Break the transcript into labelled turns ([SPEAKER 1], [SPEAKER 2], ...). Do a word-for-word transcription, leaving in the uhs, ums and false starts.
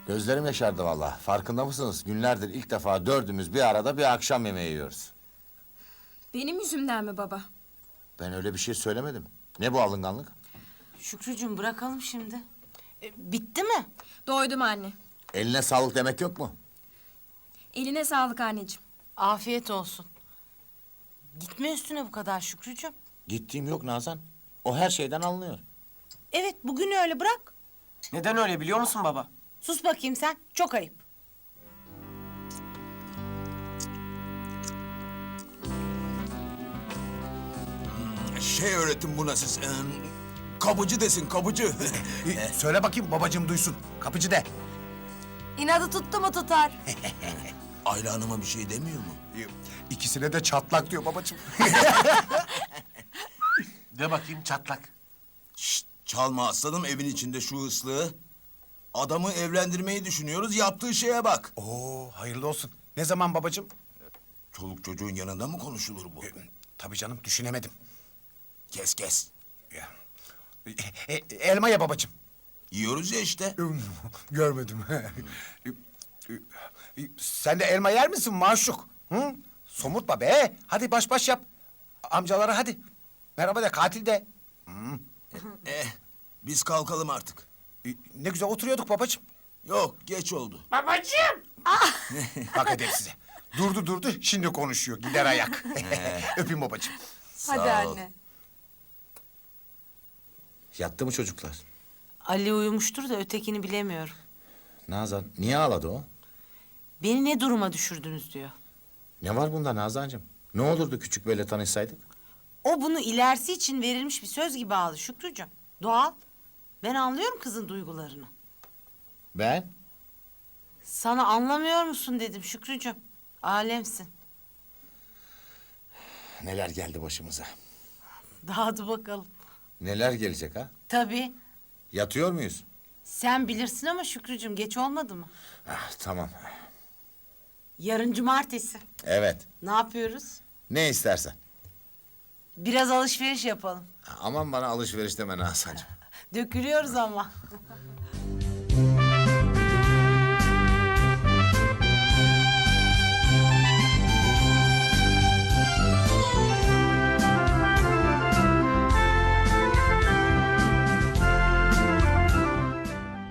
[SPEAKER 1] Gözlerim yaşardı vallahi. Farkında mısınız? Günlerdir ilk defa dördümüz bir arada bir akşam yemeği yiyoruz.
[SPEAKER 2] Benim yüzümden mi baba?
[SPEAKER 1] Ben öyle bir şey söylemedim. Ne bu alınganlık?
[SPEAKER 3] Şükrücüğüm bırakalım şimdi. E, bitti mi?
[SPEAKER 2] Doydum anne.
[SPEAKER 1] Eline sağlık demek yok mu?
[SPEAKER 2] Eline sağlık anneciğim.
[SPEAKER 3] Afiyet olsun. Gitme üstüne bu kadar Şükrücüğüm.
[SPEAKER 1] Gittiğim yok Nazan. O her şeyden anlıyor.
[SPEAKER 3] Evet bugün öyle bırak.
[SPEAKER 4] Neden öyle biliyor musun baba?
[SPEAKER 3] Sus bakayım sen. Çok ayıp.
[SPEAKER 5] Şey öğretin buna siz. Ee, kapıcı desin, kapıcı.
[SPEAKER 6] Söyle bakayım babacığım duysun. Kapıcı de.
[SPEAKER 3] İnadı tuttu mu tutar.
[SPEAKER 5] Ayla Hanım'a bir şey demiyor mu?
[SPEAKER 6] İkisine de çatlak diyor babacığım.
[SPEAKER 4] De bakayım çatlak.
[SPEAKER 5] Şşt, çalma aslanım evin içinde şu ıslığı. Adamı evlendirmeyi düşünüyoruz, yaptığı şeye bak.
[SPEAKER 6] Oo hayırlı olsun. Ne zaman babacığım?
[SPEAKER 5] Çoluk çocuğun yanında mı konuşulur bu?
[SPEAKER 6] Tabii canım düşünemedim.
[SPEAKER 5] Kes kes.
[SPEAKER 6] Ya. E, e, elma ye babacığım.
[SPEAKER 5] Yiyoruz ya işte.
[SPEAKER 6] Görmedim. Sen de elma yer misin maşuk? Hı? Somurtma be. Hadi baş baş yap. Amcalara hadi. Merhaba de katil de.
[SPEAKER 5] Eh, biz kalkalım artık.
[SPEAKER 6] E, Ne güzel oturuyorduk babacığım.
[SPEAKER 5] Yok, geç oldu.
[SPEAKER 6] Bak edep size. Durdu durdu şimdi konuşuyor. Gider ayak. Öpeyim babacığım.
[SPEAKER 3] Hadi
[SPEAKER 5] Sağ ol.
[SPEAKER 3] anne.
[SPEAKER 1] Yattı mı çocuklar?
[SPEAKER 3] Ali uyumuştur da ötekini bilemiyorum.
[SPEAKER 1] Nazan, niye ağladı o?
[SPEAKER 3] Beni ne duruma düşürdünüz diyor.
[SPEAKER 1] Ne var bunda Nazancığım? Ne olurdu küçük böyle tanışsaydık?
[SPEAKER 3] O bunu ilerisi için verilmiş bir söz gibi aldı Şükrücüğüm. Doğal. Ben anlıyorum kızın duygularını.
[SPEAKER 1] Ben?
[SPEAKER 3] Sana anlamıyor musun dedim Şükrücüğüm. Alemsin.
[SPEAKER 1] Neler geldi başımıza?
[SPEAKER 3] Dağıdı bakalım.
[SPEAKER 1] Neler gelecek ha?
[SPEAKER 3] Tabii.
[SPEAKER 1] Yatıyor muyuz?
[SPEAKER 3] Sen bilirsin ama Şükrücüğüm geç olmadı mı?
[SPEAKER 1] Ah, tamam.
[SPEAKER 3] Yarın cumartesi.
[SPEAKER 1] Evet.
[SPEAKER 3] Ne yapıyoruz?
[SPEAKER 1] Ne istersen.
[SPEAKER 3] Biraz alışveriş yapalım.
[SPEAKER 1] Aman bana alışveriş deme Nazancığım.
[SPEAKER 3] Dökülüyoruz ama.